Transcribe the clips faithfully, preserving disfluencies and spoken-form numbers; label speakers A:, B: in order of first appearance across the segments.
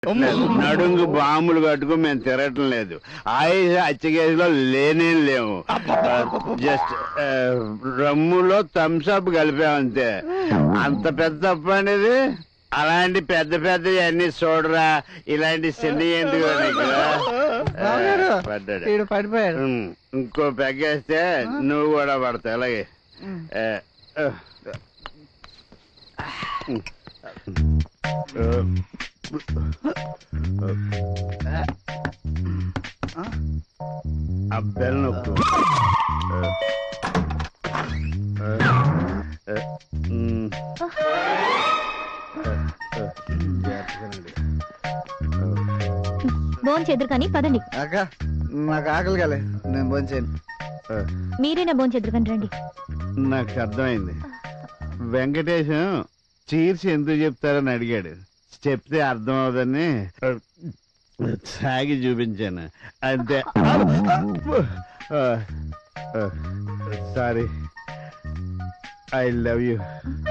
A: నడుంగు బాంబులు కట్టుకు మేము తిరగటం లేదు. ఆయుష హత్యకేసులో లేనే లేవు. జస్ట్ రమ్ములో థమ్స్అప్ కలిపామంతే. అంత పెద్ద తప్పు అనేది. అలాంటి పెద్ద పెద్ద అన్ని చూడరా, ఇలాంటి చిన్న ఎందుకు పడ్డాడు. ఇంకో పెగ్గేస్తే నువ్వు కూడా పడతావు. అలాగే అబ్బాయిలు నొక్కు.
B: భోజనం చేద్దరు కానీ పదండి.
C: అక్క నాకు ఆకలి కాలే, నేను భోజనం చేయను.
B: మీరేనా భోజనం చేద్దరు కానీ రండి.
A: నాకు అర్థమైంది. వెంకటేశం చీర్చి ఎందుకు చెప్తారని అడిగాడు. చెప్తే అర్థం అవదని సాగి చూపించాను అంతే. Sorry, I love you.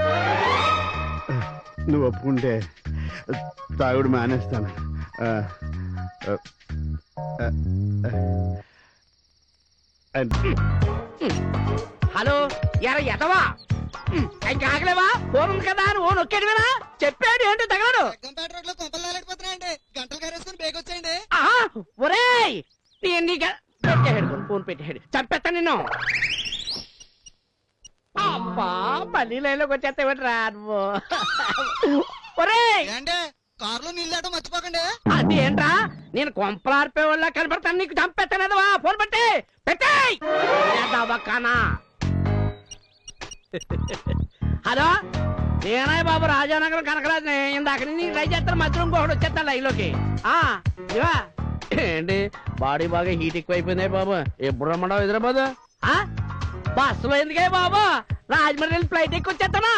A: నువ్వు ఒప్పుకుంటే తాగుడు మానేస్తాను.
D: హలో, ఎర ఎదవా, ఇంకా ఆగలేవా? ఫోన్ ఉంది కదా అని ఓ నొక్కాడు కదా. చెప్పాడు ఏంటో తగలడు.
C: గంటలు కారేసుకుని బేగొచ్చేయండి.
D: ఒరేయ్, పెట్టాడు ఫోన్ పెట్టాడు. చంపేస్తా నిన్ను. అబ్బా, మళ్ళీ లైన్లోకి వచ్చేస్తావేంటి రా నువ్వు. ఒరేయ్,
C: కారులో నీళ్ళు దాటం మర్చిపోకండి.
D: అదేంట్రా, నేను కొంపలార్పే వాళ్ళ కనపడతాను. నీకు చంపేస్తానేదవా. ఫోన్ పెట్టి పెట్టేయ్. హలో, నేనాయ్ బాబు, రాజానగరం కనకరాజుని. ఇందాక నుంచి ట్రై చేస్తాను, మధ్యలో ఇంకొకటి వచ్చేస్తాను లైన్లోకి. ఏంటి బాడీ బాగా హీట్ ఎక్కువైపోయింది బాబు. ఎప్పుడు రమ్మడావు హైదరాబాద్? బస్సులో ఎందుకే బాబు, రాజమండ్రి వెళ్ళి ఫ్లైట్ ఎక్కువ వచ్చేస్తానా?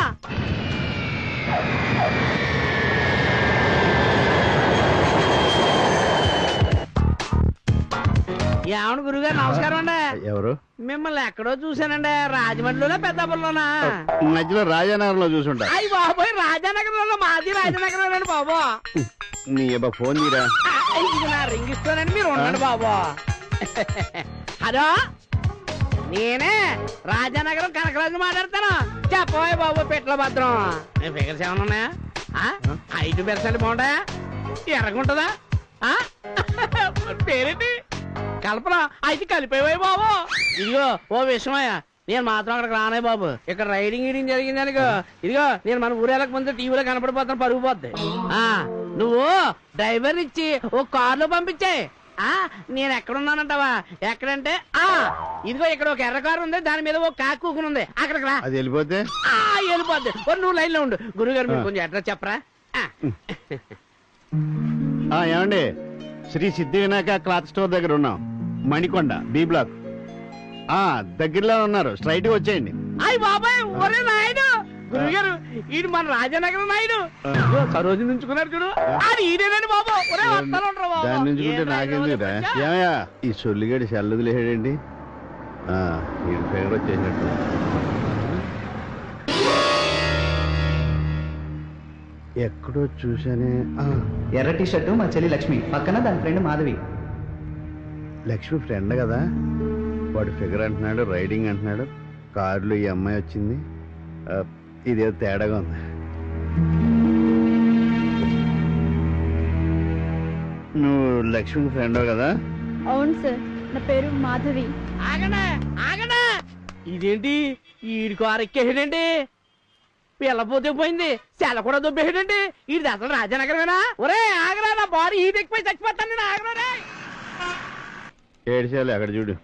D: ఏమను గురుగారు, నమస్కారం అండి.
A: ఎవరు?
D: మిమ్మల్ని ఎక్కడో చూసానండి. రాజమండ్రిలోనా పెద్దాపురంలోనా?
A: మధ్యలో రాజానగర్ లో చూసుంటా.
D: అయ్యి బాబోయ్, రాజానగరంలో మాది రాజానగరం బాబు.
A: నీ ఫోన్ తీరా.
D: ఇది నా రింగ్ ఇస్తానండి, మీరు ఉండండి బాబు. హలో, నేనే రాజానగరం కనకరాజు మాట్లాడతాను. చెప్పబోయే బాబు, పెట్ల భద్రం. ఫిగర్స్ ఏమన్నా ఉన్నాయా? ఐదు పెరసాలు బాగుంటాయా? ఎర్రగుంటదా? పేరేంటి? కల్పన. అయితే కలిపేవాయి బాబు. ఇదిగో ఓ విషయమయ్యా, నేను మాత్రం అక్కడికి రానే బాబు. ఇక్కడ రైడింగ్ గీడింగ్ జరిగింది అనుకో, ఇదిగో నేను మన ఊరేళ్ళక ముందు టీవీలో కనపడిపోతాను, పరుగు పోద్ది. నువ్వు డ్రైవర్ ఇచ్చి ఓ కారులో పంపించే. నేను ఎక్కడున్నానంటావా? ఎక్కడంటే ఆ ఇదిగో ఇక్కడ ఒక ఎర్ర కారు ఉంది, దాని మీద ఒక కాకు కూకుని ఉంది. అక్కడికి రా.
A: అది వెళ్ళిపోతే
D: వెళ్ళిపోద్ది. నువ్వు లైన్ లో ఉండు. గురుగారు మీరు కొంచెం అడ్రస్ చెప్పరా?
A: ఏమండి, శ్రీ సిద్ధి వినాయక క్లాత్ స్టోర్ దగ్గర ఉన్నాం, మణికొండ బి బ్లాక్. ఆ దగ్గరలో ఉన్నారు, స్ట్రైట్ గా వచ్చేయండి.
D: అయ్యి బాబాయ్, ఒరే నాయుడు, గురుగారు ఈడు మన రాజానగరం నాయుడు. సరోజు నుంచుకున్నాడు చూడు, అది ఈడేనండి బాబు. ఒరే వస్తాను బాబు.
A: దాని నుంచుకుంటే నాకేందిరా? ఏమయ్యా, ఈ సొల్లిగడి చల్లదు లేడండి. ఈ ఫేవర్ వచ్చేసినట్టు. ఎక్కడో చూసానే.
C: ఎర్ర టీ షర్టు మా చెల్లి లక్ష్మి, పక్కన దాని ఫ్రెండ్ మాధవి.
A: లక్ష్మి ఫ్రెండ్ కదా. వాడు ఫిగర్ అంటున్నాడు, రైడింగ్ అంటున్నాడు, కారులో ఈ అమ్మాయి వచ్చింది. ఇదేదో తేడాగా ఉంది. నువ్వు లక్ష్మి ఫ్రెండ్ కదా?
B: అవును సార్, నా పేరు మాధవి.
D: ఆగనా ఆగనా, ఇదేంటి ఈడి కారు ఎక్కేసాడండి? పిల్లపోతే పోయింది, సెల కూడా దొబ్బేసాడండి. ఇది అసలు రాజానగరమేనా? ఒరే ఆగరా, నా బాడీ హీట్ ఎక్కిపోయి చచ్చిపోతాను నేను. ఆగరా.
A: ఏడ్చాలి అక్కడ చూడు.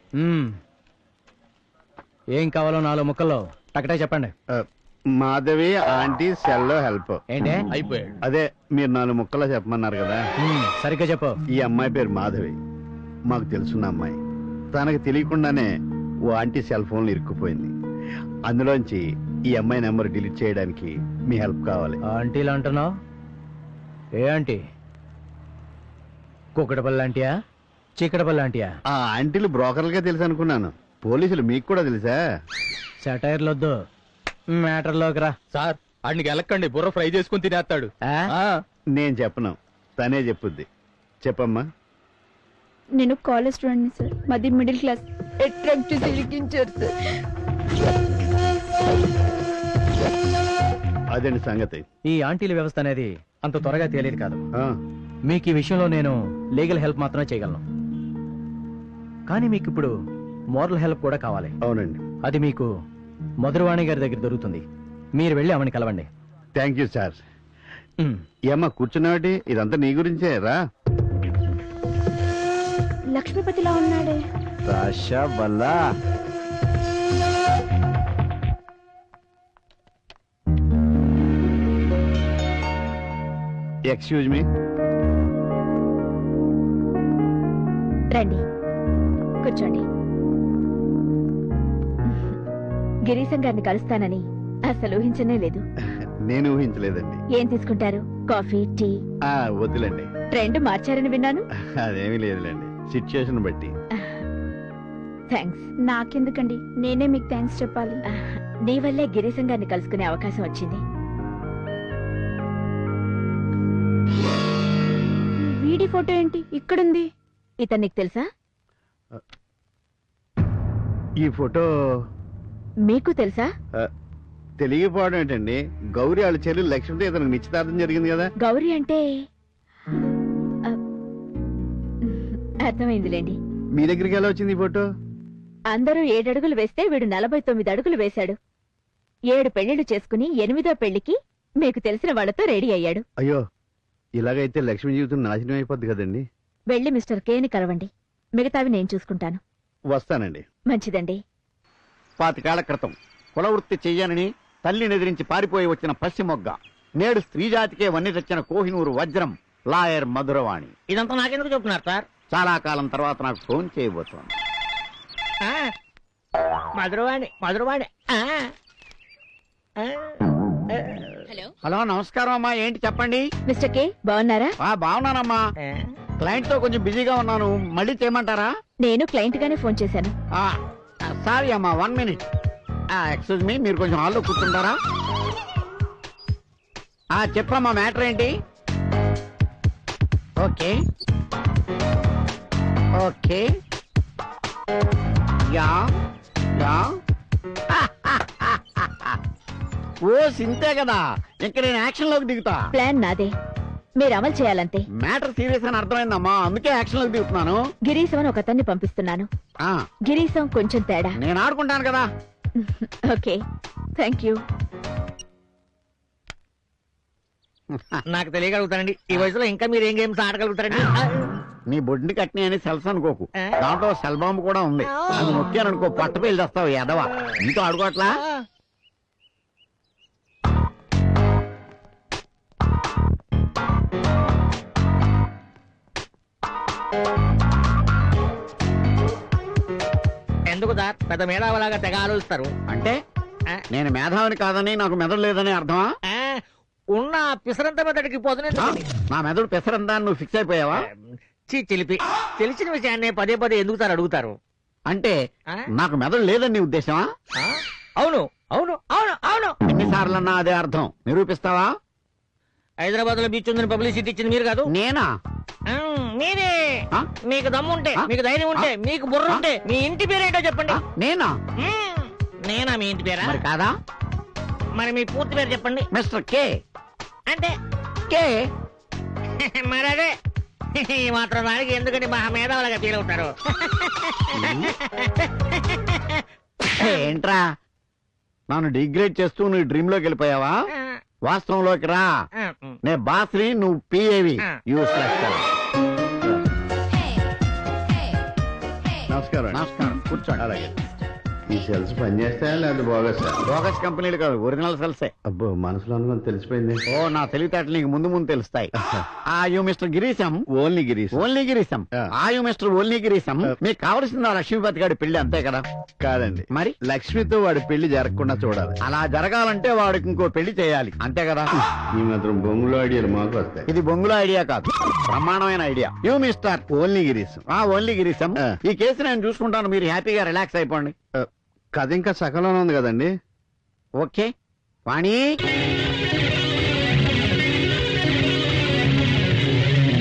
C: ఏం కావాలో నాలుగు ముక్కల్లో టకటే చెప్పండి.
A: మాధవి ఆంటీ సెల్లో హెల్ప్.
C: ఏంటే అయిపోయాడు?
A: అదే మీరు నాలుగు ముక్కల్లో చెప్పమన్నారు కదా.
C: సరిగ్గా చెప్పు.
A: ఈ అమ్మాయి పేరు మాధవి, మాకు తెలుసున్న అమ్మాయి. తనకు తెలియకుండానే ఓ ఆంటీ సెల్ ఫోన్లు ఇరుక్కుపోయింది. అందులోంచి ఈ అమ్మాయి నెంబర్ డిలీట్ చేయడానికి మీ హెల్ప్ కావాలి.
C: ఆంటీలు అంటున్నావు? ఏ ఆంటీ? కుక్కడపల్లి ఆంటీయా, చీకటపల్లి ఆంటీయా?
A: ఆ ఆంటీలు బ్రోకర్లుగా తెలుసు అనుకున్నాను. పోలీసులు మీకు కూడా తెలుసా?
C: సెటైర్లొద్దు, మ్యాటర్లోకి రా.
E: సార్, ఆడికి వెళ్ళకండి, బుర్ర ఫ్రై చేసుకుని తినేస్తాడు.
A: నేను చెప్పను, తనే చెప్పుద్ది. చెప్పమ్మా.
B: నేను కాలేజ్ స్టూడెంట్ సార్, మాది మిడిల్ క్లాస్. అట్రాక్ట్ చేసి ఇరికించారు సార్.
A: అదండి సంగతి.
E: ఈ ఆంటీల వ్యవస్థ అనేది అంత త్వరగా తేలేది కాదు.
A: ఆ,
E: మీకు ఈ విషయంలో నేను లీగల్ హెల్ప్ మాత్రమే చేయగలను. కానీ మీకు ఇప్పుడు మోరల్ హెల్ప్ కూడా కావాలి.
A: అవునండి.
E: అది మీకు మధురవాణి గారి దగ్గర దొరుకుతుంది. మీరు వెళ్ళి ఆమెను కలవండి.
A: Thank you sir.
E: ఉమ్.
A: ఏమ్మా కూర్చున్నావాటి? ఇదంతా నీ గురించే రా.
B: లక్ష్మీపతిలా ఉన్నాడే.
A: రాషా వల్ల ఎక్స్క్యూజ్ మీ.
B: రండి కూర్చోండి. గిరీశం గారిని కలుస్తానని అసలు ఊహించనే లేదు.
A: నేను ఊహించలేదండి.
B: ఏం తీసుకుంటారు? Coffee, tea?
A: ఆ వద్దులేండి.
B: ట్రెండ్ మార్చారని విన్నాను.
A: అదేమీ లేదులేండి, సిచ్యుయేషన్ బట్టి.
B: థ్యాంక్స్. నాకెందుకండి, నేనే మీకు థ్యాంక్స్ చెప్పాలి. నీ వల్లే గిరీశం గారిని కలుసుకునే అవకాశం వచ్చింది. వీడి ఫోటో ఏంటి ఇక్కడుంది? ఇతను నీకు తెలుసా?
A: ఈ ఫోటో
B: మీకు తెలుసా?
A: ఆ, తెలియకపోవడం ఏంటండి? గౌరీ వాళ్ళ చెల్లెలు లక్ష్మితో ఇతనికి నిశ్చితార్థం జరిగింది కదా.
B: గౌరీ అంటే ఆ, అర్థమైందిలేండి.
A: మీ దగ్గరికి ఎలా వచ్చింది ఈ ఫోటో?
B: అందరూ ఏడడుగులు వేస్తే వీడు నలభై తొమ్మిది అడుగులు వేశాడు. ఏడు పెళ్లిళ్లు చేసుకుని ఎనిమిదో పెళ్లికి మీకు తెలిసిన వాళ్లతో రెడీ అయ్యాడు.
A: అయ్యో, ఇలాగైతే లక్ష్మి జీవితం నాశనం అయిపోద్ది కదండి.
B: వెళ్లి మిస్టర్ కేని కలవండి. మిగతావి నేను చూసుకుంటాను.
A: వస్తానండి.
B: మంచిదండి.
F: పాతికేళ్ల క్రితం కులవృత్తి చెయ్యనని తల్లిని ఎదిరించి పారిపోయి వచ్చిన పశ్చిమొగ్గ, నేడు స్త్రీజాతికే వన్ని తెచ్చిన కోహినూరు వజ్రం లాయర్ మధురవాణి.
D: ఇదంతా నాకెందుకు చెప్తున్నారు సార్?
F: చాలా కాలం తర్వాత నాకు ఫోన్ చేయబోతోంది.
D: ఆ, మధురవాణి మధురవాణి. ఆ, ఆ, ఆ.
F: హలో, నమస్కారం అమ్మా. ఏంటి చెప్పండి.
B: మిస్టర్ కే బాగున్నారా?
F: ఆ బాగున్నానమ్మా.
D: ఆ.
F: క్లయింట్ తో కొంచెం బిజీగా ఉన్నాను, మళ్ళీ చేయమంటారా?
B: నేను క్లయింట్ గానే ఫోన్ చేశాను.
F: సారీ అమ్మా, వన్ మినిట్. ఎక్స్క్యూజ్ మీ, మీరు కొంచెం హాల్లో కూర్చుంటారా? ఆ, చెప్పమ్మా, మ్యాటర్ ఏంటి? ఓకే ఓకే యా యా ఓ సింతే కదా, ఇంక నేను యాక్షన్ లోకి దిగుతా.
B: ప్లాన్ నాదే, మీరు అమలు చేయాలంతే.
F: మ్యాటర్ సీరియస్ అని అర్థమైందమ్మా, అందుకే యాక్షన్ లోకి దిగుతున్నాను.
B: గిరీశం అని ఒకతన్ని పంపిస్తున్నాను.
F: ఆ,
B: గిరీశం కొంచెం తేడా.
F: నేను ఆడుకుంటాను కదా.
B: Okay, thank you.
D: నాకు తెలియగలుగుతానండి, ఈ వయసులో ఇంకా మీరు ఏం గేమ్స్ ఆడగలుగుతారండి?
F: నీ బొడ్డుని కట్టిన అని సెల్స్ అనుకోకు,
D: ఆ?
F: దాంట్లో సెల్ బాంబు కూడా ఉంది. అది నొక్కాననుకో పట్ట పేలు తెస్తావు ఎదవా. నీతో ఆడుకోవట్లా?
D: ఎందుకు సార్ పెద్ద మేధావులాగా తెగ ఆలోచిస్తారు?
F: అంటే
D: ఆ?
F: నేను మేధావిని కాదని, నాకు మెదడు లేదని అర్థమా?
D: ఆ, ఉన్న పిసరంత మెదడికి పోతున్నా.
F: ఆ? నా మెదడు పెసరందా అని నువ్వు ఫిక్స్ అయిపోయావా?
D: చీ చిలిపి, తెలిసిన విషయాన్ని పదే పదే ఎందుకు సార్ అడుగుతారు?
F: అంటే
D: ఆ?
F: నాకు మెదడు లేదని నీ ఉద్దేశమా?
D: ఆ? అవును అవును అవును అవును.
F: ఎన్నిసార్లన్నా అదే అర్థం. నిరూపిస్తావా?
D: హైదరాబాద్ లో బీచ్ ఉందని పబ్లిసిటీ ఇచ్చింది మీరు కాదు?
F: నేనా?
D: ఆ, మీరే.
F: ఆ?
D: మీకు దమ్ముంటే,
F: ఆ?
D: మీకు ధైర్యం ఉంటే,
F: ఆ?
D: మీకు బుర్ర ఉంటే మీ ఇంటి పేరేంటో చెప్పండి.
F: ఆ? నేనా?
D: మ్మ్. నేనా మీ ఇంటి పేరా?
F: మరి కాదా?
D: మరి మీ పూర్తి పేరు చెప్పండి.
F: Mister K.
D: అంటే
F: కే
D: మరి అదే ఈ మాత్రం దానికి ఎందుకంటే మహా మేధావులుగా ఫీల్ అవుతారు.
F: ఏంట్రా నన్ను డిగ్రేడ్ చేస్తూ నువ్వు డ్రీమ్ లోకి వెళ్ళిపోయావా? వాస్తవంలోకి రా. నే బాస్ని, నువ్వు పిఏవి. యూస్లెస్.
A: నమస్కారం.
F: నమస్కారం, కూర్చోండి.
A: అలాగే. ఈ సెల్స్ పనిచేస్తాయా లేదా బోగస్?
F: బోగస్ కంపెనీలు కాదు, ఒరిజినల్ సెల్సే.
A: అబ్బో, మనసులో అనుకుని తెలిసిపోయింది.
F: ఓ, నా తెలివితేటలు నీకు ముందు ముందు తెలుస్తాయి. ఆ you mister Girisham.
A: Only Girish.
F: Only Girisham.
A: ఆ.
F: ఆ యు మిస్టర్ ఓన్లీ గిరీశం.
A: ఆ.
F: మీకు కావలసింది ఆ లక్ష్మీపతి గారి పెళ్లి, అంతే కదా?
A: కాదండి,
F: మరి
A: లక్ష్మితో వాడి పెళ్లి జరగకుండా చూడాలి.
F: అలా జరగాలంటే వాడికి ఇంకో పెళ్లి చేయాలి, అంతే కదా?
A: ఈ మాత్రం బొంగులో ఐడియాలు మాకు వస్తాయి.
F: ఇది బొంగుల ఐడియా కాదు, బ్రహ్మాండమైన idea. You mister
A: only Girish.
F: ఆ ఓన్లీ గిరీశం.
A: ఆ.
F: ఈ కేసు నేను చూసుకుంటాను, మీరు హ్యాపీగా రిలాక్స్ అయిపోండి.
A: కథ ఇంకా సకలంలో ఉంది కదండి.
F: ఓకే వాణి.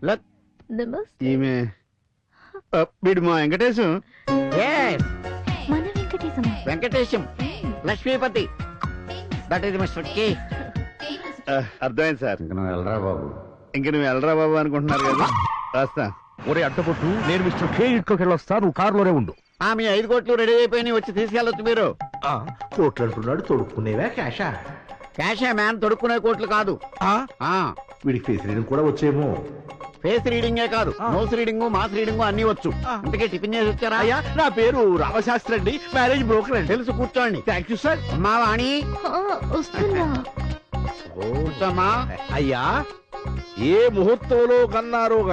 F: లక్
B: నమస్తే.
A: ఈమె ఆ, వీడు మా వెంకటేశం.
B: మన వెంకటేశమా?
F: Venkatesham Lakshmipathi that is mister K.
A: ఆ, అర్థమైంది సార్.
F: ఇంక నువ్వు వెళ్ళరా బాబు.
A: ఇంక నువ్వు వెళ్ళరా బాబు అనుకుంటున్నారు కదా, రాస్తా.
G: ఒరే అడ్డపొట్టు, నేను మిస్టర్ కే ఇంట్లోకి వెళ్ళొస్తా, నువ్వు కారులోనే ఉండు.
F: ఆ మీ ఐదు కోట్లు రెడీ అయిపోయి వచ్చి తీసుకెళ్ళొచ్చు మీరు.
G: కోట్లు అంటున్నాడు, తొడుక్కునేవా క్యాషా?
F: క్యాషే మ్యాన్ తొడుక్కునే కోట్లు కాదు. ఆ
G: వీడికి ఫేస్ రీడింగ్ కూడా వచ్చేమో.
F: ఫేస్ రీడింగే కాదు, నోస్ రీడింగ్ మాస్ రీడింగ్ అన్ని వచ్చు. ఇంతకే టిఫిన్ చేసి వచ్చారా?
G: అయ్యా నా పేరు రామశాస్త్రి అండి, మ్యారేజ్ బ్రోకర్ అండి.
F: తెలుసు, కూర్చోండి.
G: Thank you sir.
F: అమ్మా వాణి
B: ఆ, వస్తున్నా.
F: కూర్చోమ్మా.
G: అయ్యా ఏ ముహూర్తంలో కన్నారో